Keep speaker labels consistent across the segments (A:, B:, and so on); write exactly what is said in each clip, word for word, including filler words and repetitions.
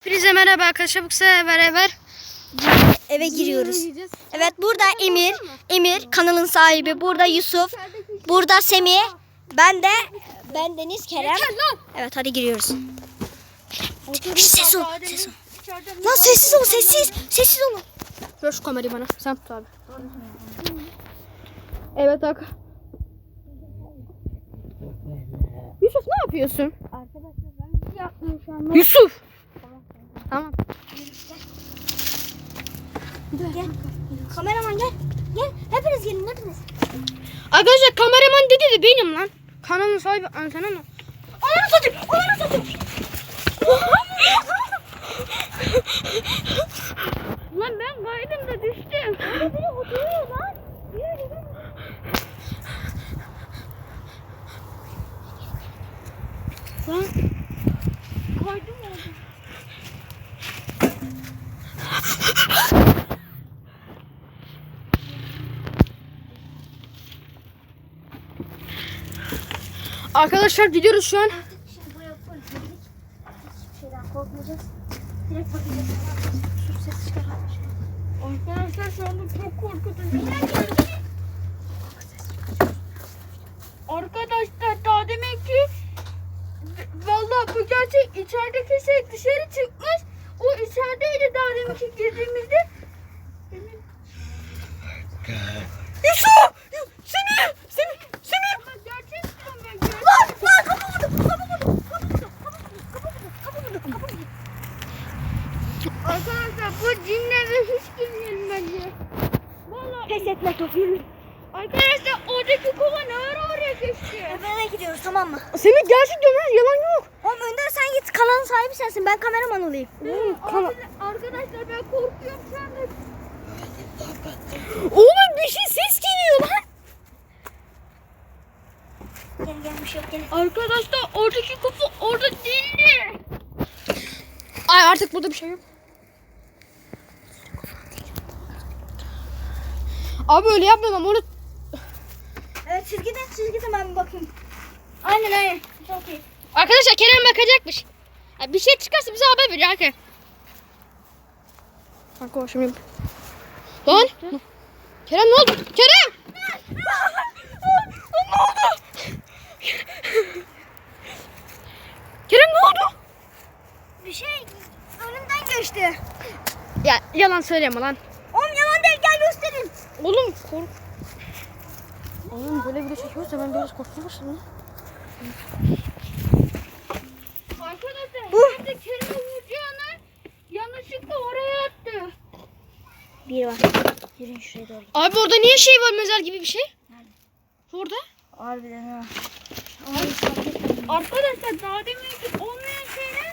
A: Hepinize merhaba arkadaşlar. Bu sefer beraber
B: eve giriyoruz. Evet, burada Emir, Emir kanalın sahibi. Burada Yusuf, burada Semih, ben de ben Deniz Kerem. Evet, hadi giriyoruz. Ses ol, ses ol. Lan sessiz ol, sessiz, sessiz olun.
A: ver şu kamerayı bana. Sen tut abi. Evet bak. Yusuf ne yapıyorsun?
B: Arkadaşlar ben bir yapmıyorum şu an.
A: Yusuf. Tamam.
B: Gel. Kameraman gel. Gel. Hepiniz gelin, hepiniz.
A: Arkadaşlar kameraman dedi de benim lan. Kanalın sahibi antena mı?
B: Ananı satayım. Ananı satayım.
A: Lan ben kaydım da düştüm.
B: Biri oturuyor lan. Yürü yürü.
A: Lan kaydım oldu. Arkadaşlar gidiyoruz şu an.
B: Şimdi buraya full girdik. Hiçbir şeyden korkmayacağız. Direkt bakacağız. Sus, ses çıkaralım.
A: Arkadaşlar şu anda çok korkutucu. Arkadaşlar daha demek ki vallahi bu gerçek, içerideki şey dışarı çıkmış. O içerideydi daha demek ki girdiğimizde. Yusuf! Semih! Semih! Semih! Ama gerçek diyorum ben. Gerçek.
B: Lan! Lan! Kapı vurdum! Kapı vurdum! Kapı vurdum! Kapı vurdum! Kapı vurdum! Kapı vurdum!
A: Arkadaşlar bu cinlere hiç girmeyelim bence. Vallahi
B: Pes etme top, yürü.
A: arkadaşlar oradaki kova ne ara oraya geçti?
B: Eve gidiyoruz, tamam mı?
A: Semih gerçek diyorum, yalan yok.
B: Oğlum Önder, sen git, kanalın sahibi sensin. Ben kameraman olayım.
A: Abi, arkadaşlar ben korkuyorum şu anda. Oğlum bir şey ses geliyor lan.
B: Gel gel, bir şey yok, gel.
A: Arkadaşlar oradaki kapı orada değildi. Ay artık burada bir şey yok. Abi öyle yapmayalım ama orada...
B: Evet, siz gidin, siz gidin, ben bir bakayım. Aynen aynen. Çok iyi.
A: Arkadaşlar Kerem bakacakmış. Ya bir şey çıkarsa bize haber verir arkadaşlar. Kanka o şimdi... Lan! Kerem ne oldu? Kerem! Ne oldu? Kerem ne oldu?
B: Bir şey önümden geçti.
A: Ya yalan söyleme lan.
B: Oğlum yalan değil, gel göstereyim.
A: Oğlum kork. Oğlum böyle video çekiyorsa ben biraz korkmaya başladım. Arkadaşlar
B: Bu.
A: ben de Kerem'i vuracağına yanlışlıkla oraya attı.
B: Bir var. Yürüyün şuraya doğru.
A: Abi orada niye şey var, mezar gibi bir şey?
B: Nerede?
A: Orada.
B: Harbiden ha.
A: Arkadaşlar daha demin ki olmayan şeyler.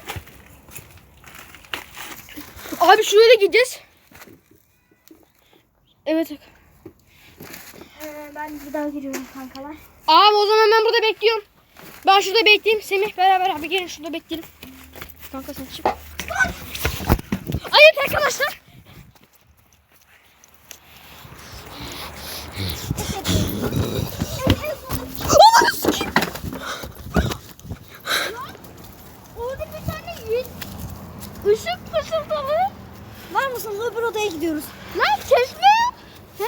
A: Abi şuraya da gideceğiz. Evet.
B: Ee, ben bir daha giriyorum kankalar.
A: Abi o zaman ben burada bekliyorum. Ben şurada bekleyeyim. Semih beraber abi gelin şurada bekleyelim. Kanka sen çık. Evet arkadaşlar. Orada bir tane ışık fısıldalı.
B: Var mısınız? Öbür odaya gidiyoruz.
A: Lan ses mi? He.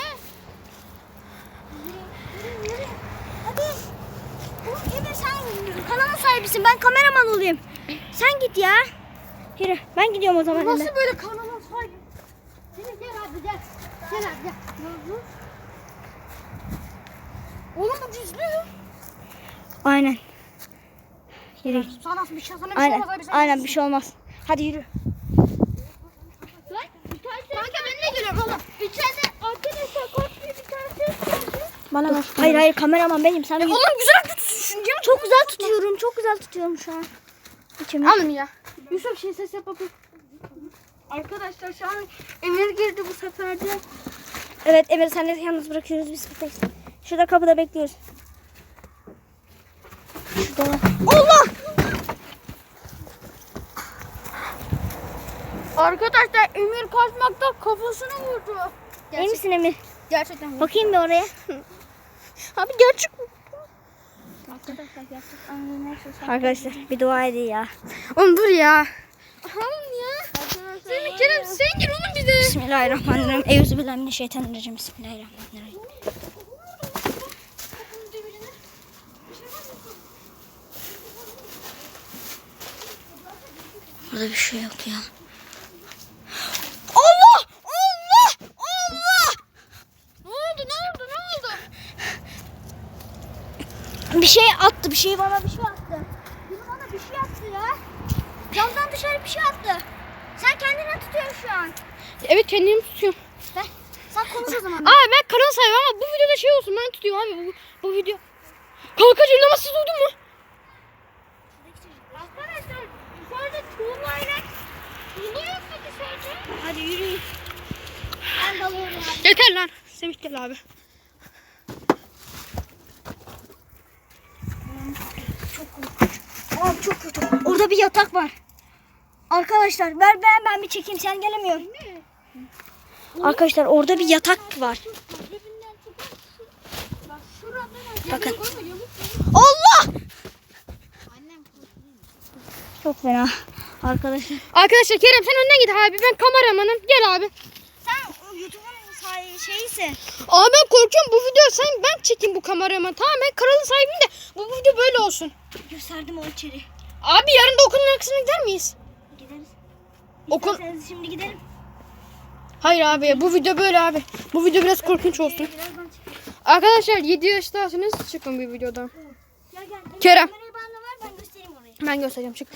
B: Hadi. Oğlum Emir, sen kanalın sahibisin. Ben kameraman olayım. Sen git ya. Yürü. Ben gidiyorum o zaman.
A: Nasıl
B: Emir.
A: böyle kanalın sahibi? Seni gel abi gel. Gel abi gel. Oğlum bu gizli.
B: Aynen. Yürü.
A: Sana bir şey sana bir şey
B: Aynen.
A: olmaz abi. sen
B: Aynen,
A: gitsin.
B: bir şey olmaz. Hadi yürü.
A: Lan içeride. Kanka ben ne geliyorum oğlum? İçeride arkadaşlar korkmuyor bir tane ses geldi.
B: Bana ver. Hayır hayır, kameraman benim. Sen yürü.
A: Oğlum güzel tutuyorsun diyor.
B: Çok güzel tutuyorum. Çok güzel tutuyorum şu an. İçimi.
A: Alın ya. Yusuf şey ses yap bakayım. Arkadaşlar şu an Emir girdi bu sefer de.
B: Evet Emir, sen de yalnız bırakıyoruz biz buradayız. Şurada kapıda bekliyoruz. Şurada. Allah!
A: Arkadaşlar Emir kaçmakta kafasını vurdu.
B: İyi misin Emir?
A: Gerçekten vurdu.
B: Bakayım bir oraya.
A: Abi gerçek mi?
B: Arkadaşlar gerçekten Arkadaşlar bir dua edin ya.
A: Oğlum dur ya. Oğlum ya.
B: Bismillahirrahmanirrahim. Euzubillahimineşşeytanirracim. Bismillahirrahmanirrahim. Burada bir şey yok ya. Allah! Allah! Allah!
A: Ne oldu? Ne oldu? Ne oldu?
B: Bir şey attı. Bir şey bana bir şey attı. Biri bana bir şey attı ya. Camdan dışarı bir şey attı. Sen kendine tutuyorsun şu an.
C: Evet kendimi tutuyorum.
B: Ver. Sen konuş o zaman.
C: Aa ben kanal sahibi ama bu videoda şey olsun ben tutuyorum abi bu, bu video. Kanka cırlaması duydun mu?
A: Arkadaşlar dışarıda tuğlayla tuğla yok mu dışarıda?
B: Hadi yürüyün. Ben dalıyorum abi.
C: Yeter lan. Semih gel abi.
B: Abi çok kötü. Orada bir yatak var. Arkadaşlar ver ben ben bir çekeyim sen gelemiyorsun. Arkadaşlar orada bir yatak var.
A: Cebinden çıkarsın. Bak şuradan
B: Bakın.
A: yamuk ama yamuk.
B: Allah!
A: Annem
B: Çok fena. Arkadaşlar.
C: Arkadaşlar Kerem sen önden git abi ben kameramanım gel abi.
B: Sen YouTube'un sahibi şeysin.
C: Abi ben korkuyorum bu video sen ben çekeyim bu kameraman tamam ben kanalın sahibiyim de bu video böyle olsun.
B: Gösterdim o içeri.
C: Abi yarın da okulun arkasına gider miyiz?
B: Gideriz.
C: Okul...
B: İsterseniz şimdi gidelim.
C: Hayır abi bu video böyle abi. Bu video biraz korkunç olsun.
B: Birazdan çıkalım.
C: Arkadaşlar yedi yaştasınız çıkın bir videodan.
B: Gel gel.
C: Kerem.
B: Kamerayı bana ver ben göstereyim orayı.
C: Ben göstereceğim çık.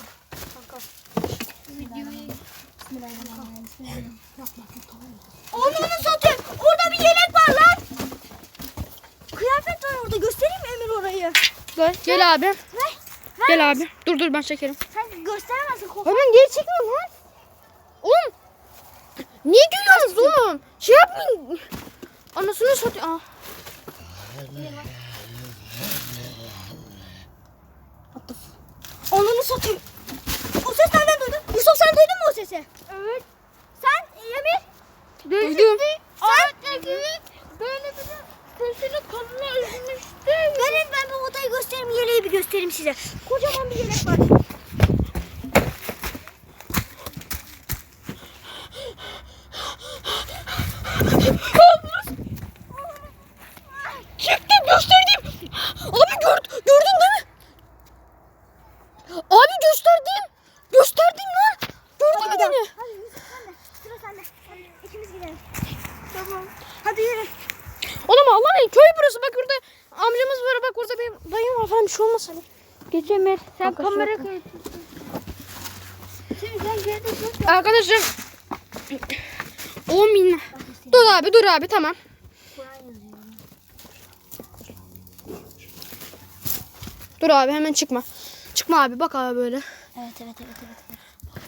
B: Onu satayım. Orada bir yelek var lan. Kıyafet var orada. Göstereyim mi Emir orayı?
C: Gel, gel abi.
B: Ver. Ver.
C: Gel abi. Dur dur ben çekerim.
B: Sen gösteremezsin. Kork-
C: Hemen geri çekmiyorum lan. Oğlum. Niye gülüyorsunuz oğlum? Şey yapmayın. Anasını satayım. Aa.
B: Onu satayım. O ses nereden duydun? Yusuf sen duydun mu o sesi?
A: Evet.
B: Sen Emir?
C: Duydum.
A: Ağaçta gibi böyle bir de sesini kanına üzmüştü.
B: Verin ben bu odayı göstereyim. Yeleği bir göstereyim size. Kocaman bir yelek var.
C: Çıktı gösterdim. Abi gör, gördün değil mi? Abi gösterdim. Gösterdim lan. Gördün mü beni?
B: Hadi Yusuf sen de. Sıra sende. Hadi ikimiz gidelim. Tamam. Hadi yürü.
C: Oğlum Allah'ın köy burası. Bak burada amcamız var. Bak orada bir dayım var falan bir şey olmaz hani.
A: Geçemez. Sen
C: Kanka,
A: kamera
C: şurada.
A: kayıtısın. Şimdi sen geride dur.
C: Arkadaşım. on bin. Dur abi dur abi tamam. Dur abi hemen çıkma. Çıkma abi bak abi böyle.
B: Evet evet evet evet.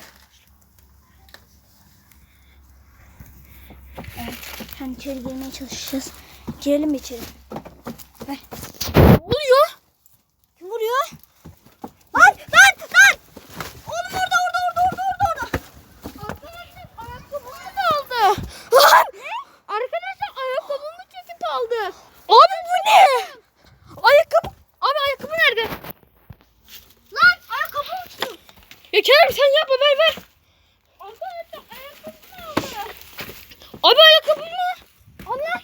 B: Evet. Hani içeri girmeye çalışacağız. Girelim mi içeri? Ver.
C: Ne oluyor?
B: Kim vuruyor? Lan lan lan! Oğlum orada orada orada orada orada orada.
A: Arkadaşlar ayakkabımı da aldı.
C: Lan! Arkadaşlar ayakkabımı çekip aldı. Abi bu ne? Ayakkabı. Abi ayakkabı nerede?
A: Lan ayakkabı uçtu.
C: Ya Kerem sen yapma ver ver.
A: Arkadaşlar ayakkabımı aldı.
C: Abi ayakkabı mı? Allah.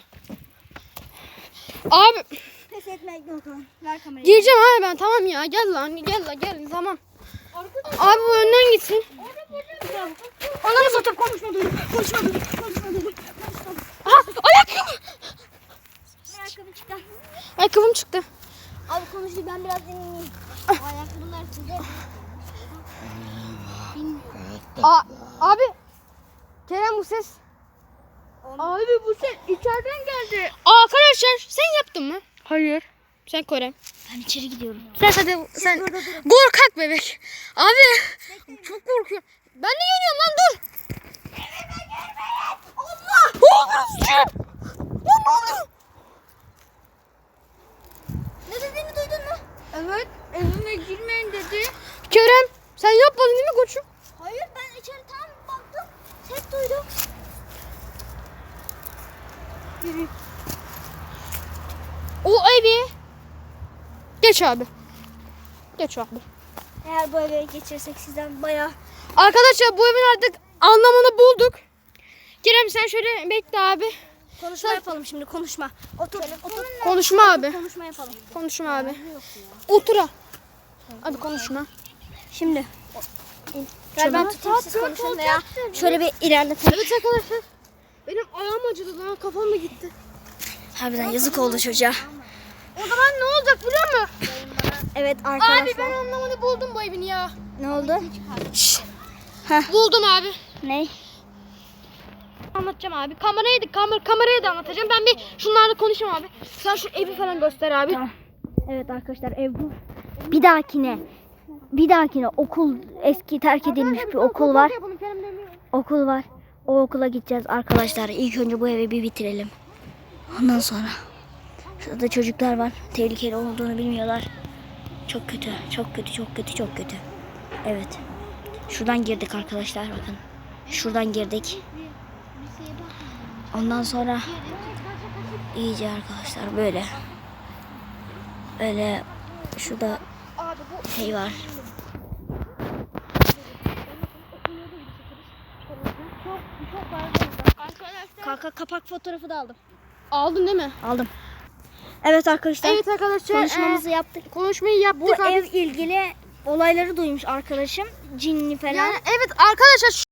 C: Abi
B: Pes etmek yok lan. Ver kamerayı.
C: gireceğim abi ben tamam ya gel lan gel lan gel tamam.
A: Arkadaşlar
C: Abi bu önden gitsin.
A: orada böyle
B: Onları satıp konuşma duydum. Konuşma duydum. Konuşma duydum. Konuşma duydum.
C: Aha ayakkabı.
B: Ayakkabı çıktı.
C: Ayakkabım çıktı.
B: Abi konuştu ben biraz dinleyeyim. Ayakkabılar size.
C: A abi. Kerem bu ses.
A: Abi bu ses içeriden geldi.
C: Aa, arkadaşlar sen yaptın mı? Hayır. Sen Kerem.
B: Ben içeri gidiyorum.
C: Sen hadi sen.
B: burada durun.
C: Korkak bebek. Abi çok korkuyorum. Ben de geliyorum lan dur.
B: Allah!
C: Ne oluyor? Lan ne oluyor?
B: Ne dediğini duydun mu?
A: Evet evime girmeyin dedi.
C: Kerem sen yapmadın değil mi koçum?
B: Hayır ben içeri tam baktım. Ses duydum.
C: O evi. Geç abi. Geç abi.
B: Eğer bu eve geçirsek sizden bayağı...
C: Arkadaşlar bu evin artık anlamını bulduk. Kerem sen şöyle bekle abi.
B: Konuşma yapalım şimdi konuşma. Otur otur.
C: Konuşma abi.
B: Konuşma yapalım.
C: Konuşma abi. Otur ha. Hadi konuşma.
B: Şimdi. Gel ben tutayım siz konuşun da ya. Şöyle bir ilerletelim.
C: Evet arkadaşlar. Benim ayağım acıdı lan, kafam da gitti.
B: Harbiden yazık oldu çocuğa.
C: O zaman ne olacak biliyor musun?
B: Evet arkadaşlar.
C: Abi ben anlamını buldum bu evin ya.
B: Ne oldu?
C: Buldum abi.
B: Ne?
C: Anlatacağım abi. Kamerayı da kamer kamerayı da anlatacağım. Ben bir şunlarla konuşayım abi. Sen şu evi falan göster abi.
B: Tamam. Evet arkadaşlar ev bu. Bir dahakine bir dahakine okul eski terk edilmiş bir okul var. Okul var. O okula gideceğiz arkadaşlar. İlk önce bu evi bir bitirelim. Ondan sonra. Şurada çocuklar var. Tehlikeli olduğunu bilmiyorlar. Çok kötü. Çok kötü. Çok kötü. Çok kötü. Evet. Şuradan girdik arkadaşlar bakın. Şuradan girdik. Ondan sonra iyice arkadaşlar böyle. Öyle şurada şey var. Kanka kapak fotoğrafı da aldım.
C: Aldın değil mi?
B: Aldım. Evet arkadaşlar.
C: Evet arkadaşlar.
B: Konuşmamızı
C: e,
B: yaptık.
C: konuşmayı yaptık.
B: Bu
C: abi.
B: ev ilgili olayları duymuş arkadaşım. Cinli falan.
C: Yani evet arkadaşlar